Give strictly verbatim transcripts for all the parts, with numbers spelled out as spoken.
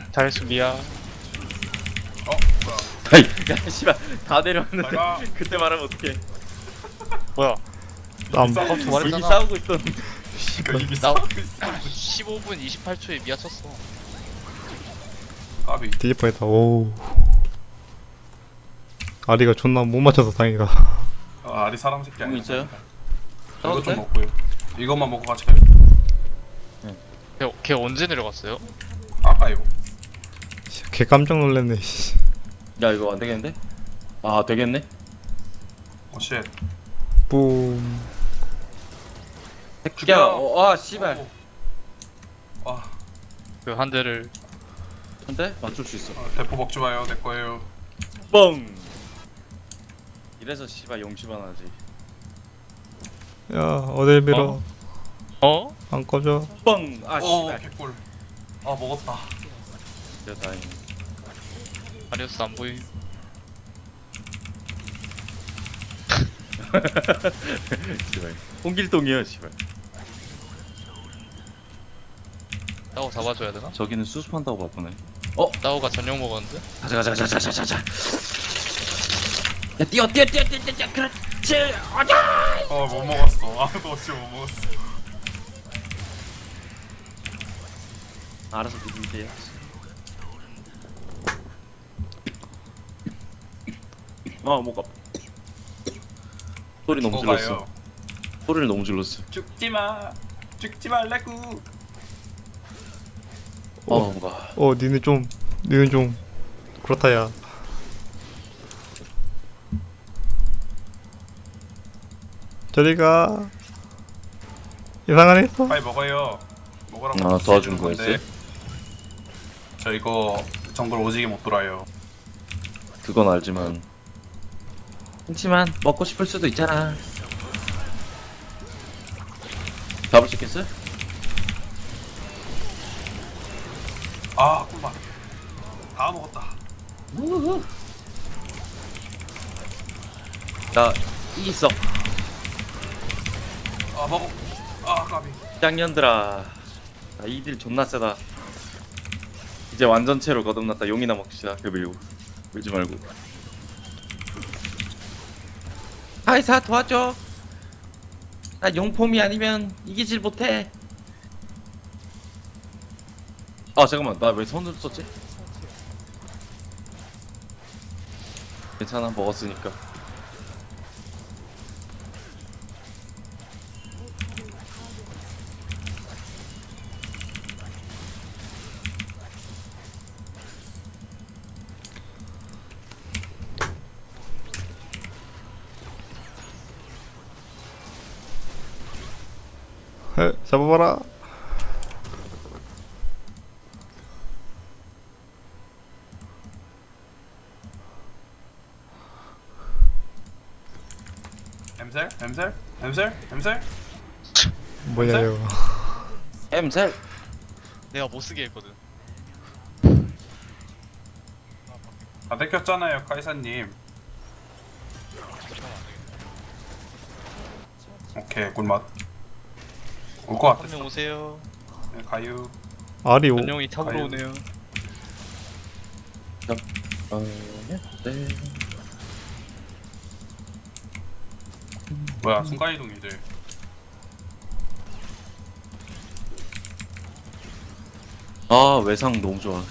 잘했어 미야. 어? 뭐야? 아이 야 씨발 다 내려왔는데 나가. 그때 말하면 어떡해. 뭐야? 남 아까 이미 말했잖아. 싸우고 있었는데. 그니까 이미 나- 싸우고 있어. 십오 분 이십팔 초에 미야 쳤어. 까비. 뒤질 뻔했다. 오. 아리가 존나 못 맞춰서 다행이다. 아, 아리 사람 새끼 아니야. 뭐 있어요? 이거 좀 싸워도 먹고요. 이것만 먹고 같이 가요. 걔, 걔 언제 내려갔어요? 아까 이거. 걔 깜짝 놀랐네. 씨. 야 이거 안 되겠는데? 아 되겠네? 오 쉣. 뿜. 야, 어, 아 씨발. 오. 아, 그 한 대를. 한대 맞출 수 있어. 어, 대포 먹지 마요. 내 거예요. 뻥. 이래서 씨발 용심만 하지. 야 어딜 밀어. 어? 안 꺼져. 뻥. 아 오, 씨발. 개꿀. 아, 먹었다. 진짜 다행. 아리우스 안 보이. 씨발. 홍길동이야 씨발. 따오 잡아줘야 되나? 저기는 수습한다고 바쁘네. 따오가 전용 먹었는데? 가자 가자 가자 가자 가자. 야 뛰어 뛰어 뛰어 뛰어 뛰어. 그렇지. 가자. 어, 못 먹었어. 아무도 없이 못 먹었어. 알아서 드세요. 아 목 아파. 소리 너무 질렀어. 죽어가요. 소리를 너무 질렀어. 죽지 마. 죽지 말라고. 어 뭔가. 어 니네 좀 니네 좀 그렇다야. 저리가. 이상한 애 있어. 빨리 먹어요. 먹으라고. 아, 도와준 주는 거였어요? 저 이거 정글 오지게 못 돌아요. 그건 알지만. 그렇지만 먹고 싶을 수도 있잖아. 잡을 수 있겠어? 아, 꿀맛. 다 먹었다. 나 이겼어. 아, 먹어. 아, 까비. 짱년들아. 나 이딜 존나 세다. 이제 완전체로 거듭났다. 용이나 먹시다. 그 밀고 밀지 말고. 하이사 도와줘. 나 용폼이 아니면 이기질 못해. 아 잠깐만 나 왜 손을 썼지? 괜찮아 먹었으니까. 에, 잡아봐라. 엠셀? 엠셀? 엠셀? 엠셀? 뭐냐 엠셀? 이거. 엠셀. 내가 못쓰게 했거든. 다 뺏겼잖아요, 카이사님. 오케이, 꿀맛. 올 것 한 명 같았어. 오세요. 네, 가유. 아리 오. 전용이 탑으로 아유. 오네요. 어, 네. 뭐야, 순간이동이들. 아 외상 너무 좋아.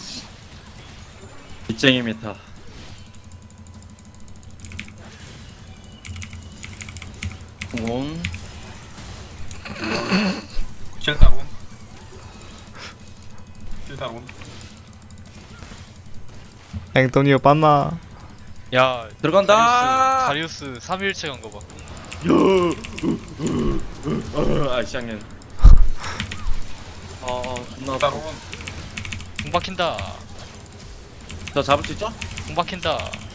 빗쟁이 메타. 온. 킬다론. 킬다론. 앵토니오 빤나. 야 들어간다. 다리우스, 다리우스 삼 일체 간 거 봐. 아 시장년. 아 존나 아파. 킬다론. 공 박힌다. 저 잡을 수 있죠? 공 박힌다.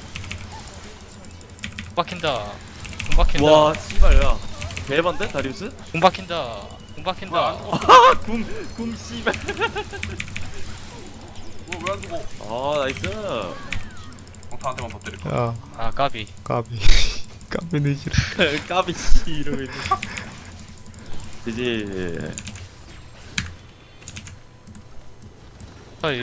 공 박힌다. 공 박힌다. 와 씨발 야 대반데 다리우스? 공 박힌다. 공 뭐야, 안 박힌다. 죽어? 아궁궁 씨발. 뭐, 왜안 죽어? 아 나이스. 공타한테만 더 때릴 거야. 야 아 까비. 까비. 까비 늦지라. 까비 씨 이러고 있네. 이제